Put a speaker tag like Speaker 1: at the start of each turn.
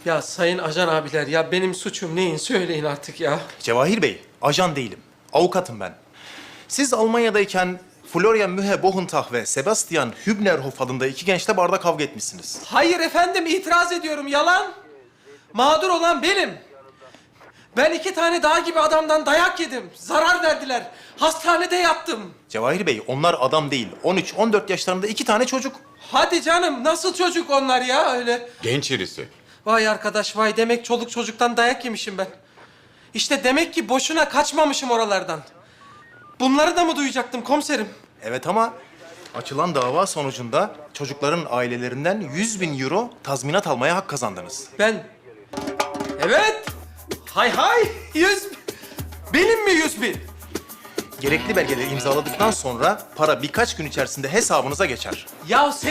Speaker 1: Ya sayın ajan abiler ya benim suçum neyin söyleyin artık ya.
Speaker 2: Cevahir Bey, ajan değilim. Avukatım ben. Siz Almanya'dayken Florian Mühe Bohentag ve Sebastian Hübnerhof adında iki gençle barda kavga etmişsiniz.
Speaker 1: Hayır efendim itiraz ediyorum yalan. Mağdur olan benim. Ben 2 tane dağ gibi adamdan dayak yedim. Zarar verdiler. Hastanede yattım.
Speaker 2: Cevahir Bey, onlar adam değil. 13-14 yaşlarında iki tane çocuk.
Speaker 1: Hadi canım nasıl çocuk onlar ya öyle.
Speaker 3: Genç irisi.
Speaker 1: Vay arkadaş vay demek çoluk çocuktan dayak yemişim ben. İşte demek ki boşuna kaçmamışım oralardan. Bunları da mı duyacaktım komiserim?
Speaker 2: Evet ama açılan dava sonucunda çocukların ailelerinden 100.000 euro tazminat almaya hak kazandınız.
Speaker 1: Ben... Evet. Hay hay. 100... Benim mi 100.000?
Speaker 2: Gerekli belgeleri imzaladıktan sonra para birkaç gün içerisinde hesabınıza geçer.
Speaker 1: Ya